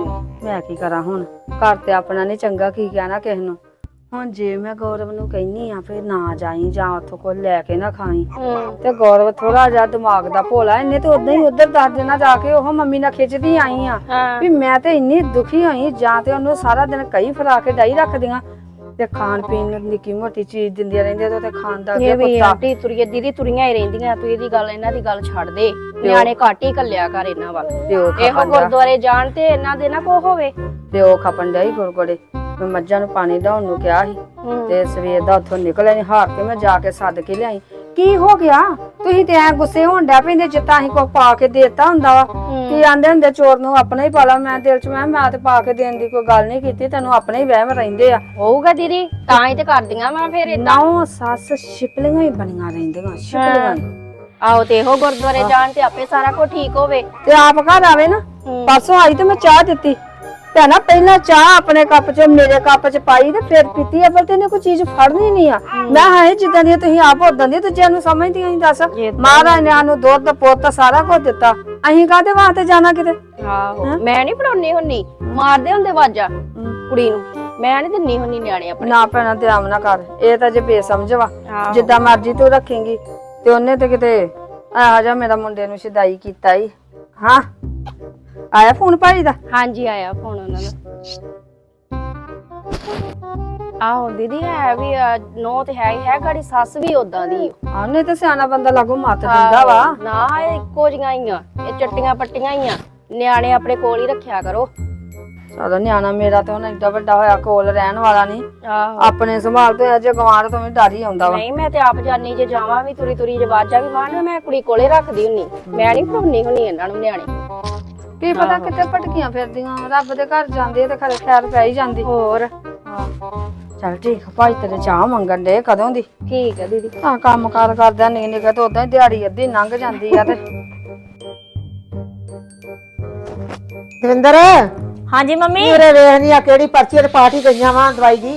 S3: ਮੈਂ ਕੀ ਕਰਾਂ ਹੁਣ, ਘਰ ਤੇ ਆਪਣਾ ਨਹੀਂ ਚੰਗਾ, ਕੀ ਕਹਿਣਾ ਕਿਸੇ ਨੂੰ। ਹੁਣ ਜੇ ਮੈਂ ਗੌਰਵ ਨੂੰ ਕਹਿੰਨੀ ਆ ਫੇਰ ਨਾ ਜਾਈ ਜਾਂ ਉੱਥੋਂ ਕੋਈ ਲੈ ਕੇ ਨਾ ਖਾਈ, ਤੇ ਗੌਰਵ ਥੋੜਾ ਜਿਹਾ ਦਿਮਾਗ ਦਾ ਭੋਲਾ, ਇਹਨੇ ਤੇ ਉਦਾਂ ਹੀ ਉਧਰ ਦੱਸ ਦੇਣਾ ਜਾ ਕੇ ਉਹ ਮੰਮੀ ਨਾਲ ਖਿੱਚਦੀ ਆਈ ਆ ਵੀ ਮੈਂ ਤੇ ਇੰਨੀ ਦੁਖੀ ਹੋਈ, ਜਾਂ ਤੇ ਉਹਨੂੰ ਸਾਰਾ ਦਿਨ ਕਈ ਫਰਾ ਕੇ ਡਾਈ ਰੱਖਦੀਆਂ ਤੇ ਖਾਣ ਪੀਣ ਨੂੰ ਨਿੱਕੀ ਮੋਟੀ ਚੀਜ਼ ਦਿੰਦੀਆਂ ਰਹਿੰਦੀਆਂ ਤੇ ਖਾਣ ਦਾ
S6: ਇਹ ਵੀ
S3: ਕੁੱਤਾ।
S6: ਆਂਟੀ ਤੁਰੀਏ ਦੀਦੀ ਤੁਰੀਆਂ ਹੀ ਰਹਿੰਦੀਆਂ, ਤੂੰ ਇਹਦੀ ਗੱਲ ਇਹਨਾਂ ਦੀ ਗੱਲ ਛੱਡ ਦੇ, ਨਿਆਣੇ ਘੱਟ ਹੀ ਕੱਲਿਆ ਕਰ ਇਹਨਾਂ ਵੱਲ।
S3: ਪਿਓ
S6: ਇਹੋ
S3: ਖਪਣ ਡਿਆ,
S6: ਗੁਰਦੁਆਰੇ ਜਾਣ ਤੇ ਇਹਨਾਂ ਦੇ ਨਾ ਕੋ ਹੋਵੇ।
S3: ਪਿਓ ਖਪਣ ਡਿਆ ਹੀ ਗੁਰਗੁੜੇ। ਮੈਂ ਮੱਝਾਂ ਨੂੰ ਪਾਣੀ ਡਾਉਣ ਨੂੰ ਕਿਹਾ ਸੀ ਤੇ ਸਵੇਰ ਦਾ ਉੱਥੋਂ ਨਿਕਲਿਆ ਨਹੀਂ, ਹਾਰ ਕੇ ਮੈਂ ਜਾ ਕੇ ਸੱਦ ਕੇ ਲਿਆਈ। ਕੀ ਹੋ ਗਿਆ ਤੁਸੀਂ ਤੇ ਐ ਗੁੱਸੇ ਹੋਣ ਡਿਆ ਪੈਂਦੇ ਜਿੱਤਾਂ ਅਸੀਂ ਕੋ ਪਾ ਕੇ ਦੇਤਾ ਹੁੰਦਾ ਵਾ। ਕੀ ਆਂਦੇ ਹੁੰਦੇ ਚੋਰ ਨੂੰ ਆਪਣਾ ਹੀ ਪਾਲਾ। ਮੈਂ ਦਿਲ ਚ ਮੈਂ ਤੇ ਪਾ ਕੇ ਦੇਣ ਦੀ ਕੋਈ ਗੱਲ ਨਹੀਂ ਕੀਤੀ, ਤੈਨੂੰ ਆਪਣੇ ਹੀ ਵਹਿਮ ਰਹਿੰਦੇ ਆ।
S6: ਹੋਊਗਾ ਦੀਦੀ, ਤਾਂ ਹੀ ਤੇ ਕਰਦੀਆਂ ਮੈਂ ਫਿਰ ਏਦਾਂ।
S3: ਨੌ ਸੱਸ ਛਿਪਲੀਆਂ ਹੀ ਬਣੀਆਂ ਰਹਿੰਦੀਆਂ, ਛਿਪਲੀਆਂ ਹੀ।
S6: ਆਹੋ ਤੇ ਇਹੋ ਗੁਰਦੁਆਰੇ ਜਾਣ ਤੇ ਆਪੇ ਸਾਰਾ ਕੁਝ ਠੀਕ ਹੋਵੇ।
S3: ਤੇ ਆਪ ਘਰ ਆਵੇ ਨਾ, ਪਰਸੋਂ ਆਈ ਤੇ ਮੈਂ ਚਾਹ ਦਿੱਤੀ ਭੈਣਾ, ਪਹਿਲਾਂ ਚਾਹ ਆਪਣੇ ਕੱਪ ਚ ਮੇਰੇ ਕੱਪ ਚ ਪਾਈ ਤੇ ਫਿਰ ਪੀਤੀ ਆ, ਪਰ ਤੈਨੂੰ ਕੋਈ ਚੀਜ਼ ਫੜਨੀ ਨਹੀਂ ਆ। ਮੈਂ ਹਾਂ ਜਿੱਦਾਂ ਦੀ ਤੁਸੀਂ ਆਪ ਉਦਾਂ ਦੀ ਦੂਜਿਆਂ ਨੂੰ ਸਮਝਦੀਆਂ ਹੀ। ਦੱਸ ਮਹਾਰਾਜ ਨੇ ਸਾਨੂੰ ਦੁੱਧ ਪੁੱਤ ਸਾਰਾ ਕੁਝ ਦਿੱਤਾ, ਅਸੀਂ ਕਾਹਦੇ ਵਾਸਤੇ ਜਾਣਾ ਕਿਤੇ।
S6: ਆਹੋ ਮੈਂ ਨਹੀਂ ਪੜਾਉਣੀ ਹੁੰਨੀ, ਮਾਰਦੇ ਹੁੰਦੇ ਵਾਜਾ ਕੁੜੀ ਨੂੰ, ਮੈਂ ਨਹੀਂ ਦਿੰਨੀ ਹੁੰਨੀ ਨਿਆਣੇ ਆਪਣੇ।
S3: ਨਾ ਭੈਣਾ ਤੇ ਆਮ ਨਾ ਕਰ, ਇਹ ਤਾਂ ਜੇ ਬੇਸਮਝ ਵਾ। ਜਿੱਦਾਂ ਮਰਜੀ ਤੂੰ ਰੱਖੇਂਗੀ ਤੇ ਉਹਨੇ ਤੇ ਕਿਤੇ ਆ ਜਾ ਮੇਰਾ ਮੁੰਡੇ ਨੂੰ ਸ਼ਿਦਾਈ ਕੀਤਾ ਹੀ। ਹਾਂ ਆਇਆ ਫੋਨ ਭਾਈ ਦਾ?
S6: ਹਾਂਜੀ ਆਇਆ ਫੋਨ ਉਹਨਾਂ ਦਾ। ਆਹੋ ਦੀਦੀ ਹੈ ਵੀ ਨੋ ਤੇ ਹੈ ਹੀ ਹੈ, ਗਾੜੀ ਸੱਸ ਵੀ ਉਦਾਂ ਦੀ
S3: ਉਹਨੇ ਤੇ ਸਿਆਣਾ ਬੰਦਾ ਲਾਗੋ ਮੱਤ ਦਿੰਦਾ ਵਾ।
S6: ਨਾ ਇਹ ਇੱਕੋ ਜਿਹੀਆਂ ਹੀ ਆ, ਇਹ ਚੱਟੀਆਂ ਪੱਟੀਆਂ ਹੀ ਆ। ਨਿਆਣੇ ਆਪਣੇ ਕੋਲ ਹੀ ਰੱਖਿਆ ਕਰੋ।
S3: ਚਲੋ ਨਿਆਣਾ ਮੇਰਾ ਤੇ ਹੁਣ ਏਡਾ ਵੱਡਾ ਹੋਇਆ, ਕੋਲ ਰਹਿਣ ਵਾਲਾ ਨਹੀਂ।
S6: ਆਹੋ
S3: ਆਪਣੇ ਸੰਭਾਲ ਤੇ ਅਜੇ ਗਵਾਂਢ ਤੋਂ ਵੀ ਡਰ ਹੀ ਆਉਂਦਾ ਵਾ।
S6: ਨਹੀਂ ਮੈਂ ਤੇ ਆਪ ਜਾਨੀ, ਜੇ ਜਾਵਾਂ ਵੀ ਤੁਰੀ ਤੁਰੀ ਜੇ ਬਾਜਾ ਵੀ ਮਾਰਨਾ, ਮੈਂ ਕੁੜੀ ਕੋਲੇ ਰੱਖਦੀ ਹੁੰਨੀ, ਮੈਂ ਨਹੀਂ ਪੜਾਉਣੀ ਹੁੰਨੀ ਇਹਨਾਂ ਨੂੰ ਨਿਆਣੇ।
S3: ਕੀ ਪਤਾ ਕਿਤੇ ਭਟਕੀਆਂ ਫਿਰਦੀਆਂ, ਰੱਬ ਦੇ ਘਰ ਜਾਂਦੇ ਤੇ ਖਰੇ ਖੈਰ ਪੈ ਹੀ ਜਾਂਦੀ।
S6: ਹੋਰ
S3: ਚਲ ਠੀਕ, ਭਾਈ ਤੇਰੇ ਚਾਹ ਮੰਗਣ ਦੇ ਕਦੋਂ ਦੀ।
S6: ਠੀਕ ਹੈ ਦੀਦੀ।
S3: ਹਾਂ ਕੰਮ ਕਾਰ ਕਰਦਿਆਂ ਨਿਕ ਨਿਕ ਤੇ ਉਦਾਂ ਹੀ ਦਿਹਾੜੀ ਅੱਧੀ ਲੰਘ ਜਾਂਦੀ ਆ। ਤੇ
S5: ਦਵਿੰਦਰ
S1: ਹਾਂਜੀ ਮੰਮੀ।
S5: ਮੇਰੇ ਵੇਖ ਨਹੀਂ ਆ ਕਿਹੜੀ ਪਰਚੀ ਤੇ ਪਾਠ ਹੀ ਗਈਆਂ ਵਾ ਦਵਾਈ ਦੀ।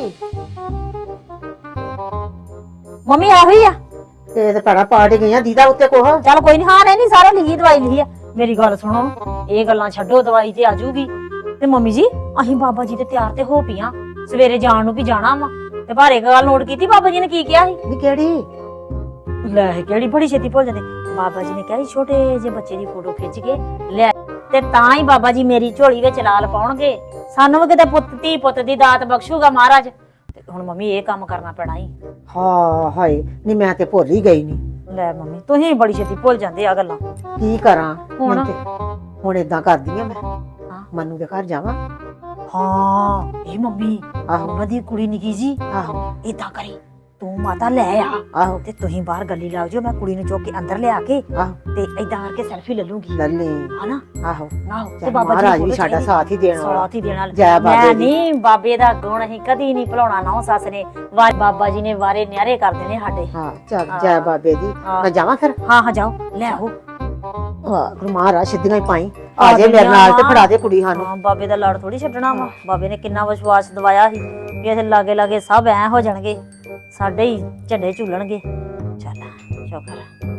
S1: ਮੰਮੀ ਆਹੋ ਹੀ ਆ।
S5: ਤੇ ਭੜਾ ਪਾਠ ਹੀ ਗਈਆਂ ਦੀਦਾ ਉੱਤੇ ਕੋਹ।
S1: ਚੱਲ ਕੋਈ ਨਹੀਂ, ਹਾਂ ਨਹੀਂ ਸਾਰੇ ਲਿਖੀ ਦਵਾਈ ਲਿਖੀ ਆ। ਮੇਰੀ ਗੱਲ ਸੁਣੋ, ਇਹ ਗੱਲਾਂ ਛੱਡੋ, ਦਵਾਈ ਤੇ ਆਜੂਗੀ। ਤੇ ਮੰਮੀ ਜੀ ਅਸੀਂ ਬਾਬਾ ਜੀ ਤੇ ਤਿਆਰ ਤੇ ਹੋ ਪਈਆਂ, ਸਵੇਰੇ ਜਾਣ ਨੂੰ ਵੀ ਜਾਣਾ ਵਾ। ਤੇ ਭਾਰੇ ਗੱਲ ਨੋਟ ਕੀਤੀ ਬਾਬਾ ਜੀ ਨੇ ਕੀ ਕਿਹਾ ਸੀ?
S5: ਨੀ ਕਿਹੜੀ?
S1: ਲੈ ਕਿਹੜੀ ਬੜੀ ਛੇਤੀ ਭੁੱਲ ਜਾਂਦੇ। ਬਾਬਾ ਜੀ ਨੇ ਕਿਹਾ ਸੀ ਛੋਟੇ ਜਿਹੇ ਬੱਚੇ ਦੀ ਫੋਟੋ ਖਿੱਚ ਕੇ ਲੈ, ਤੇ ਤਾਂ ਹੀ ਬਾਬਾ ਜੀ ਮੇਰੀ ਝੋਲੀ ਵਿੱਚ ਲਾਲ ਪਾਉਣਗੇ, ਸਾਨੂੰ ਵੀ ਕਿਤੇ ਪੁੱਤ ਧੀ ਪੁੱਤ ਦੀ ਦਾਤ ਬਖਸ਼ੂਗਾ ਮਹਾਰਾਜ। ਤੇ ਹੁਣ ਮੰਮੀ ਇਹ ਕੰਮ ਕਰਨਾ ਪੈਣਾ ਹੀ।
S5: ਹਾਂ ਹਾਏ ਨੀ ਮੈਂ ਤੇ ਭੁੱਲ ਹੀ ਗਈ ਨੀ।
S1: ਲੈ ਮੰਮੀ ਤੁਸੀਂ ਬੜੀ ਛੇਤੀ ਭੁੱਲ ਜਾਂਦੇ ਆ ਗੱਲਾਂ।
S5: ਕੀ ਕਰਾਂ
S1: ਹੁਣ?
S5: ਹੁਣ ਏਦਾਂ ਕਰਦੀ ਆ ਮੈਂ, ਮਨੂ ਦੇ ਘਰ ਜਾਵਾਂ।
S1: ਹਾਂ ਇਹ ਮੰਮੀ
S5: ਆਹੋ
S1: ਉਹਨਾਂ ਦੀ ਕੁੜੀ ਨਿੱਕੀ ਜੀ,
S5: ਆਹੋ
S1: ਏਦਾਂ ਕਰੀ ਤੂੰ ਮਾਤਾ ਲੈ ਆ
S5: ਆਹੋ
S1: ਤੇ ਤੁਸੀਂ ਬਾਹਰ ਗੱਲੀ ਲੱਗ ਜਾਓ, ਮੈਂ ਕੁੜੀ ਨੂੰ ਚੁੱਕ ਕੇ ਅੰਦਰ ਲਿਆ ਕੇ
S5: ਆਹੋ
S1: ਤੇ ਏਦਾਂ ਕਰਕੇ ਸੈਲਫੀ ਲੈ ਲੂੰਗੀ,
S5: ਲੱਲੇ
S1: ਹਨਾ?
S5: ਆਹੋ
S1: ਆਹੋ
S5: ਤੇ ਮਹਾਰਾਜ ਵੀ ਸਾਡਾ ਸਾਥ ਹੀ ਦੇਣ ਵਾਲਾ।
S1: ਸਾਥ ਹੀ ਦੇਣ ਵਾਲਾ।
S5: ਜੈ ਬਾਬੇ
S1: ਮੈਂ
S5: ਦੀ।
S1: ਨਹੀਂ ਬਾਬੇ ਦਾ ਗੁਣ ਅਸੀਂ ਕਦੀ ਨਹੀਂ ਭੁਲਾਉਣਾ ਨਾ ਸੱਸ ਨੇ। ਬਾਬਾ ਜੀ ਨੇ ਵਾਰੇ ਨਿਆਰੇ ਕਰ ਦੇਣੇ ਸਾਡੇ।
S5: ਹਾਂ ਚੱਲ ਜੈ ਬਾਬੇ ਦੀ।
S1: ਹਾਂ।
S5: ਮੈਂ ਜਾਵਾਂ ਫਿਰ?
S1: ਹਾਂ ਹਾਂ ਜਾਓ ਲੈ ਆਓ।
S5: ਵਾਹ ਗੁਰੂ ਮਹਾਰਾਜ ਸਿੱਧੀਆਂ ਹੀ ਪਾਈ ਆ ਜੇ ਮੇਰੇ ਨਾਲ ਤੇ ਫੜਾ ਦੇ ਕੁੜੀ ਸਾਨੂੰ।
S1: ਹਾਂ ਬਾਬੇ ਦਾ ਲੜ ਥੋੜੀ ਛੱਡਣਾ ਵਾ। ਬਾਬੇ ਨੇ ਕਿੰਨਾ ਵਿਸ਼ਵਾਸ ਦਵਾਇਆ ਸੀ ਕਿ ਇਥੇ ਲਾਗੇ ਲਾਗੇ ਸਭ ਐ ਹੋ ਜਾਣਗੇ, ਸਾਡੇ ਹੀ ਝੰਡੇ ਝੂਲਣਗੇ। ਚੱਲ ਸ਼ੁਕਰ ਹੈ।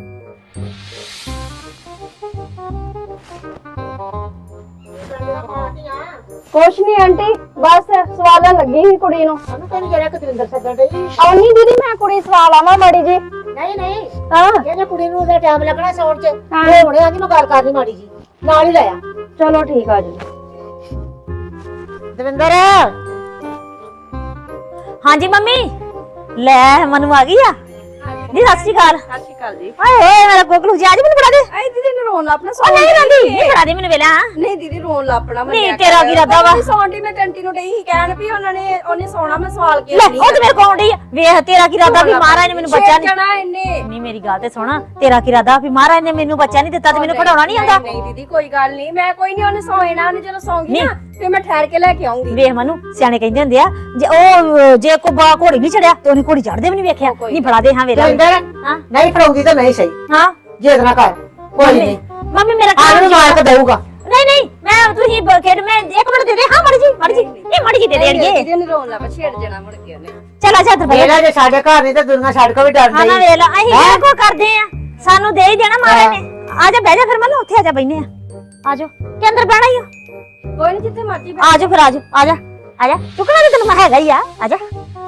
S6: ਕੁਛ ਨਹੀਂ ਆਂਟੀ, ਬਸ ਸਵਾਲਾਂ ਲੱਗੀ ਸੀ ਕੁੜੀ ਨੂੰ।
S5: ਤੈਨੂੰ ਜਿਹੜਾ ਕਤਿੰਦਰ ਸੱਦਣ ਡਈ।
S6: ਆਉਣੀ ਦੀਦੀ ਮੈਂ ਕੁੜੀ ਸਵਾਲ ਆਵਾਂ ਮਾੜੀ ਜੀ।
S5: ਨਹੀਂ ਨਹੀਂ
S6: ਹਾਂ
S5: ਇਹਨੇ ਕੁੜੀ ਨੂੰ ਉਹਦਾ ਟਾਈਮ ਲੱਗਣਾ ਸੌਣ ਚ। ਇਹ ਹੁਣੇ ਆਂਦੀ ਮੈਂ ਗੱਲ ਕਰਨੀ ਮਾੜੀ ਜੀ, ਨਾਲ ਹੀ ਲਾਇਆ।
S6: ਚਲੋ ਠੀਕ ਆ ਜੀ।
S5: ਦਵਿੰਦਰ
S1: ਹਾਂਜੀ ਮੰਮੀ ਲੈ ਮਨੂ ਆ ਗਈ ਆ। ਜੀ ਸਤਿ ਸ਼੍ਰੀ ਅਕਾਲ।
S6: ਸਤਿ ਸ਼੍ਰੀ ਅਕਾਲ ਜੀ।
S1: ਹਾਏ ਹੋਏ ਮੇਰਾ ਕੋਕਲੂ ਜੀ ਅੱਜ ਮੈਨੂੰ ਫੜਾ ਦੇ।
S6: ਆਈ ਦੀਦੀ ਨੂੰ ਰੋਣ ਲੱਪਣਾ
S1: ਉਹ ਨਹੀਂ ਰੰਦੀ ਨਹੀਂ ਫੜਾ ਦੇ ਮੈਨੂੰ ਵੇਲਾ।
S6: ਨਹੀਂ ਦੀਦੀ ਰੋਣ ਲੱਪਣਾ ਮੈਂ।
S1: ਨਹੀਂ ਤੇਰਾ ਕੀ ਇਰਾਦਾ ਵਾ?
S6: ਸੌਂਡੀ ਮੈਂ ਕੰਟੀ ਨੂੰ ਡਈ ਸੀ ਕਹਿਣ ਵੀ ਉਹਨੇ ਸੌਣਾ, ਮੈਂ ਸਵਾਲ ਕੇ
S1: ਲੈ ਉਹ ਤੇ ਮੇਰੇ ਕੋਲ ਆਉਂਦੀ ਆ। ਵੇਖ ਤੇਰਾ ਕੀ ਇਰਾਦਾ ਵੀ ਮਹਾਰਾਜ ਨੇ ਮੈਨੂੰ ਬੱਚਾ ਨਹੀਂ
S6: ਜਣਾ ਇਹਨੇ।
S1: ਨਹੀਂ ਮੇਰੀ ਗੱਲ ਤੇ ਸੁਣ, ਤੇਰਾ ਕੀ ਇਰਾਦਾ ਵੀ ਮਹਾਰਾਜ ਨੇ ਮੈਨੂੰ ਬੱਚਾ ਨਹੀਂ ਦਿੱਤਾ ਤੇ ਮੈਨੂੰ ਖੜਾਉਣਾ ਨਹੀਂ ਆਉਂਦਾ?
S6: ਨਹੀਂ ਦੀਦੀ ਕੋਈ ਗੱਲ ਨਹੀਂ, ਮੈਂ ਕੋਈ ਨਹੀਂ, ਉਹਨੇ ਸੌਣਾ, ਉਹਨੇ ਜਦੋਂ ਸੌਂਗੀ ਨਾ ਤੇ ਮੈਂ ਠਹਿਰ ਕੇ ਲੈ ਕੇ ਆਉਂਗੀ।
S1: ਵੇਖ ਮਨੂ ਸਿਆਣੇ ਕਹਿੰਦੇ ਹੁੰਦੇ ਆ ਜੇ ਕੋ ਬਾ ਘੋੜੀ ਨਹੀਂ ਚੜਿਆ ਤੇ ਉਹਨੇ ਘੋੜੀ ਚੜਦੇ ਵੀ ਨਹੀਂ ਵੇਖਿਆ। ਨਹੀਂ ਫੜਾ ਦੇ ਹਾਂ ਵੇਲਾ।
S5: ਦਵਿੰਦਰ
S1: ਹਾਂ
S5: ਨਹੀਂ ਫੜਾਉਂਦੀ ਤਾਂ ਨਹੀਂ ਸਹੀ।
S1: ਹਾਂ
S5: ਜੇਦ ਨਾ ਕਰ ਕੋਈ ਨਹੀਂ।
S1: ਮੰਮੀ ਮੇਰਾ
S5: ਆਹ ਨੂੰ ਮਾਰ ਕੇ ਦਊਗਾ।
S1: ਨਹੀਂ ਨਹੀਂ ਮੈਂ ਤੁਸੀਂ ਖੇਡ ਮੈਂ ਇੱਕ ਮਿੰਟ ਦੇ ਦੇ। ਹਾਂ ਮੜ ਜੀ ਇਹ ਮੜ ਜੀ ਦੇ ਦੇਣਗੇ।
S6: ਦੀਦੀ ਨੇ ਰੋਣ ਲੱਪਾ, ਛੇੜ ਜਣਾ ਮੁੜ ਕੇ ਉਹਨੇ।
S1: ਚਲ ਅੱਛਾ ਤੇ
S5: ਇਹਦਾ ਜੇ ਸਾਡੇ ਘਰ ਨਹੀਂ ਤੇ ਦੁਨੀਆ ਛੱਡ ਕੇ ਵੀ ਡਰ
S1: ਹਾਂ ਨਾ
S5: ਨਹੀਂ।
S1: ਵੇਲਾ ਅਸੀਂ ਕਿਹੜਾ ਕੋ ਕਰਦੇ ਆ, ਸਾਨੂੰ ਦੇ ਹੀ ਦੇਣਾ ਮਹਾਰਾਜ ਨੇ। ਆ ਜਾ ਬਹਿ ਜਾ ਫਿਰ ਮਨ ਉੱਥੇ ਆ ਜਾ ਬੈਨੇ ਆ। ਆ ਜਾ ਕਿ ਅੰਦਰ ਬਹਿਣਾ ਹੀ ਆ।
S6: ਕੋਈ ਨਹੀਂ ਜਿੱਥੇ ਮਰਜੀ
S1: ਆ ਜਾ ਫਿਰ, ਆ ਜਾ ਆ ਜਾ ਆ ਜਾ, ਚੁੱਕਣਾ ਤੇ ਤੈਨੂੰ ਮੈਂ ਹੈਗਾ ਹੀ ਆ, ਆ ਜਾ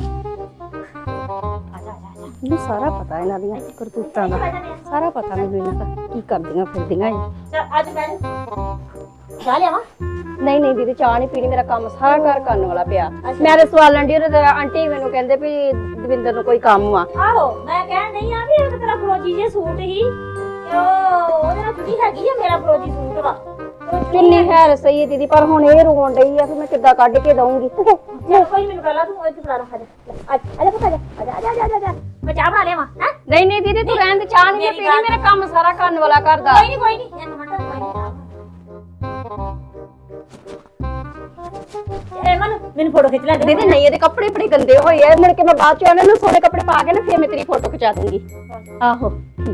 S6: ਮੈਨੂੰ ਸਾਰਾ ਪਤਾ ਇਹਨਾਂ ਦੀਆਂ ਕਰਤੂਤਾਂ ਦਾ, ਸਾਰਾ ਪਤਾ ਮੈਨੂੰ ਇਹਨਾਂ ਦਾ ਕੀ ਕਰਦੀਆਂ ਫਿਰਦੀਆਂ ਇਹ।
S1: ਚੱਲ ਅੱਜ ਬੈਠ ਜਾ ਲਿਆਵਾਂ।
S6: ਨਹੀਂ ਨਹੀਂ ਦੀਦੀ ਚਾਹ ਨਹੀਂ ਪੀਣੀ, ਮੇਰਾ ਕੰਮ ਸਾਰਾ ਘਰ ਕਰਨ ਵਾਲਾ ਪਿਆ। ਮੈਂ ਤੇ ਸਵਾਲਣ ਦੀ ਉਹਦੇ ਆਂਟੀ ਮੈਨੂੰ ਕਹਿੰਦੇ ਵੀ ਦਵਿੰਦਰ ਨੂੰ ਕੋਈ ਕੰਮ ਆ।
S1: ਆਹੋ ਮੈਂ ਕਹਿਣ ਨਹੀਂ ਆ ਵੀ ਇਹ ਤਾਂ ਤੇਰਾ ਫਰੋਜੀ ਜੇ ਸੂਟ ਹੀ ਉਹਦੇ ਨਾਲ ਕੁੜੀ ਹੈਗੀ ਆ, ਮੇਰਾ ਫਰੋਜੀ ਸੂਟ ਵਾ।
S6: ਚੁੰਨੀ ਹੈ ਸਹੀ ਹੈ ਦੀਦੀ, ਪਰ ਹੁਣ ਇਹ ਰੋਣ ਡਈ ਆ ਕਿ ਮੈਂ ਕਿੱਦਾਂ ਕੱਢ ਕੇ ਦਊਂਗੀ।
S1: ਚੱਲ ਕੋਈ ਮੈਨੂੰ ਪਹਿਲਾਂ ਤੂੰ ਇੱਥੇ ਫੜਾ ਰੱਖ, ਆ ਜਾ ਪੁੱਤ, ਆ ਜਾ ਮੈਂ ਚਾਹ ਬਣਾ ਲਿਆਵਾਂ। ਹੈ
S6: ਨਹੀਂ ਨਹੀਂ ਦੀਦੀ ਤੂੰ ਰਹਿਣ ਦੇ, ਚਾਹ ਨਹੀਂ ਪੀਣੀ, ਮੇਰਾ ਕੰਮ ਸਾਰਾ ਕਰਨ ਵਾਲਾ ਘਰ ਦਾ।
S1: ਕੋਈ ਨਹੀਂ ਇੱਕ ਮਿੰਟ, ਕੋਈ ਨਹੀਂ। ਮੈਨੂੰ ਫੋਟੋ ਖਿੱਚ ਲੈ ਦੇ।
S6: ਦੀਦੀ ਨਹੀਂ ਇਹਦੇ ਕੱਪੜੇ ਬੜੇ ਗੰਦੇ ਹੋਏ ਆ, ਮੁੜ ਕੇ ਮੈਂ ਬਾਅਦ ਚ ਇਹਨਾਂ ਨੂੰ ਸੋਹਣੇ ਕੱਪੜੇ ਪਾ ਕੇ ਨਾ ਫੇਰ ਮੈਂ ਤੇਰੀ ਫੋਟੋ ਖਿਚਾ ਦੂੰਗੀ। ਆਹੋ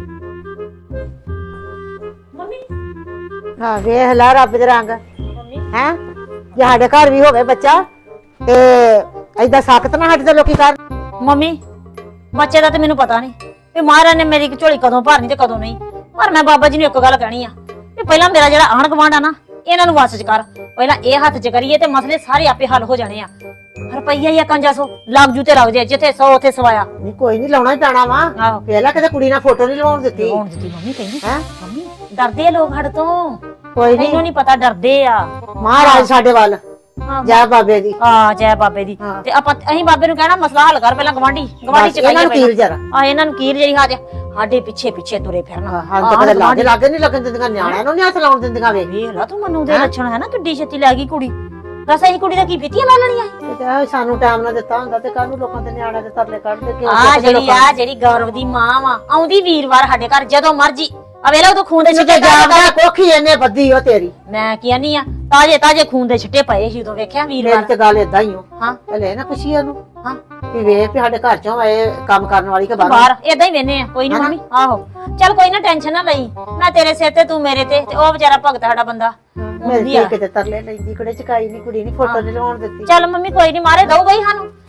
S1: ਮੰਮੀ
S5: ਹਾਂ ਵੇਖ ਲੈ ਰੱਬ ਦੇ ਰੰਗ
S1: ਮੰਮੀ
S5: ਹੈ। ਜੇ ਸਾਡੇ ਘਰ ਵੀ ਹੋਵੇ ਬੱਚਾ ਤੇ ਏਦਾਂ ਸਖਤ ਨਾ ਸਾਡੇ ਤੇ ਲੋਕੀ ਕਰ।
S1: ਮੰਮੀ ਬੱਚੇ ਦਾ ਤੇ ਮੈਨੂੰ ਪਤਾ ਨਹੀਂ ਵੀ ਮਹਾਰਾਜ ਨੇ ਮੇਰੀ ਝੋਲੀ ਕਦੋਂ ਭਰਨੀ ਤੇ ਕਦੋਂ ਨਹੀਂ, ਪਰ ਮੈਂ ਬਾਬਾ ਜੀ ਨੂੰ ਇੱਕ ਗੱਲ ਕਹਿਣੀ ਆ ਵੀ ਪਹਿਲਾਂ ਮੇਰਾ ਜਿਹੜਾ ਆਂਢ ਗੁਆਂਢ ਆ ਨਾ, ਇਹਨਾਂ ਨੂੰ ਵਸ ਚ ਕਰ, ਪਹਿਲਾਂ ਇਹ ਹੱਥ ਚ ਕਰੀਏ ਤੇ ਮਸਲੇ ਸਾਰੇ ਆਪੇ ਹੱਲ ਹੋ ਜਾਣੇ ਆ। ਰੁਪਈਆ ਹੀ 500 ਲੱਗ ਜੂ ਤੇ ਲੱਗ ਜੇ, ਜਿੱਥੇ 100 ਉੱਥੇ ਸਵਾਇਆ।
S5: ਨਹੀਂ ਕੋਈ ਨਹੀਂ ਲਾਉਣਾ ਹੀ ਪੈਣਾ ਵਾ।
S1: ਆਹੋ
S5: ਪਹਿਲਾਂ ਕਿਤੇ ਕੁੜੀ ਨਾਲ ਫੋਟੋ ਨਹੀਂ ਲਵਾਉਣ ਦਿੱਤੀ
S1: ਲਵਾਉਣ ਦਿੱਤੀ ਮੰਮੀ, ਕਹਿੰਦੀ
S5: ਹੈ।
S1: ਮੰਮੀ ਡਰਦੇ ਆ ਲੋਕ ਸਾਡੇ ਤੋਂ,
S5: ਕੋਈ
S1: ਮੈਨੂੰ
S5: ਨਹੀਂ
S1: ਨਹੀਂ ਪਤਾ ਡਰਦੇ ਆ।
S5: ਮਹਾਰਾਜ ਸਾਡੇ ਵੱਲ
S1: ਹਾਂ।
S5: ਜੈ ਬਾਬੇ ਦੀ।
S1: ਆ ਜੈ ਬਾਬੇ ਦੀ।
S5: ਹਾਂ।
S1: ਤੇ ਆਪਾਂ ਅਸੀਂ ਬਾਬੇ ਨੂੰ ਕਹਿਣਾ ਮਸਲਾ ਹੱਲ ਕਰ ਪਹਿਲਾਂ, ਗਵਾਂਢੀ ਚ
S5: ਇਹਨਾਂ ਨੂੰ ਕੀਲ ਜਰਾ।
S1: ਆ ਇਹਨਾਂ ਨੂੰ ਕੀਰ ਜਿਹੜੀ ਸਾਡੇ ਪਿੱਛੇ ਪਿੱਛੇ ਤੁਰੇ ਫਿਰਨਾ।
S5: ਹਾਂ ਤਾਂ ਕਦੇ ਲਾਗੇ ਲਾਗੇ ਨਹੀਂ ਲੱਗਣ ਦਿੰਦੀਆਂ, ਨਿਆਣਿਆਂ ਨੂੰ ਨਹੀਂ ਹੱਥ ਲਾਉਣ ਦਿੰਦੀਆਂ। ਵੇ
S1: ਵੇਖ ਲਾ ਤੂੰ ਮਨੂੰ ਦੇ ਲੱਛਣ ਹੈ ਨਾ, ਕਿੱਡੀ ਛੇਤੀ ਲੈ ਗਈ ਕੁੜੀ। ਦੱਸ ਅਸੀਂ ਕੁੜੀ ਦਾ ਕੀ ਫਿੱਤੀਆਂ ਲਾ ਲੈਣੀਆਂ?
S5: ਤੇ ਸਾਨੂੰ ਟਾਈਮ ਨਾ ਦਿੱਤਾ ਹੁੰਦਾ ਤੇ ਕੱਲ ਨੂੰ ਲੋਕਾਂ ਦੇ ਨਿਆਣਿਆਂ ਦੇ ਤਰਲੇ ਕੱਢਦੇ ਕਿਉਂ?
S1: ਜਿਹੜੀ ਗੌਰਵ ਦੀ ਮਾਂ ਵਾ, ਆਉਂਦੀ ਵੀਰਵਾਰ ਸਾਡੇ ਘਰ ਜਦੋਂ ਮਰਜੀ। ਆ ਵੇਲਾ ਉਦੋਂ ਖੂਨ ਦੇ
S5: ਤੇ
S1: ਛਿੱਟੇ
S5: ਜਾਣਦਾ ਕੋਖੀ ਇਹਨੇ ਬੱਦੀ ਉਹ ਤੇਰੀ।
S1: ਮੈਂ ਕੀ ਆਨੀ ਆ, ਤਾਜੇ ਤਾਜੇ ਖੂਨ ਦੇ ਛਿੱਟੇ ਪਏ ਸੀ ਉਦੋਂ, ਵੇਖਿਆ
S5: ਮੇਰੀ
S1: ਵੀਰਵਾਰ।
S5: ਤੇ ਗੱਲ ਏਦਾਂ ਹੀ ਹੋ।
S1: ਹਾਂ
S5: ਲੈ ਨਾ ਪੁੱਛੀ ਉਹਨੂੰ
S1: ਹਾਂ
S5: ਵੀ ਵੇਖ ਵੀ ਸਾਡੇ ਘਰ ਚੋਂ ਇਹ ਕੰਮ ਕਰਨ ਵਾਲੀ ਕਿ ਬਾਹਰ।
S1: ਬਾਹਰ ਏਦਾਂ ਹੀ ਵੇਨੇ ਆ। ਕੋਈ ਨਹੀਂ ਮੰਮੀ, ਆਹੋ ਚੱਲ ਕੋਈ ਨਾ, ਟੈਨਸ਼ਨ ਨਾ ਲਈ, ਮੈਂ ਤੇਰੇ ਸਿਰ ਤੇ ਤੂੰ ਮੇਰੇ ਤੇ ਉਹ ਵਿਚਾਰਾ ਭਗਤ ਸਾਡਾ ਬੰਦਾ।
S5: ਮੇਰੇ ਤੇ ਕਿਤੇ ਤਰਲੇ ਲੈਂਦੀ, ਕਿਹੜੇ ਚਕਾਈ ਨਹੀਂ, ਕੁੜੀ ਨਹੀਂ ਫੋਟੋ ਨਹੀਂ ਲਵਾਉਣ ਦਿੱਤੀ।
S1: ਚੱਲ ਮੰਮੀ ਕੋਈ ਨਹੀਂ, ਮਾਰੇ ਦਊਗਾ ਹੀ ਸਾਨੂੰ।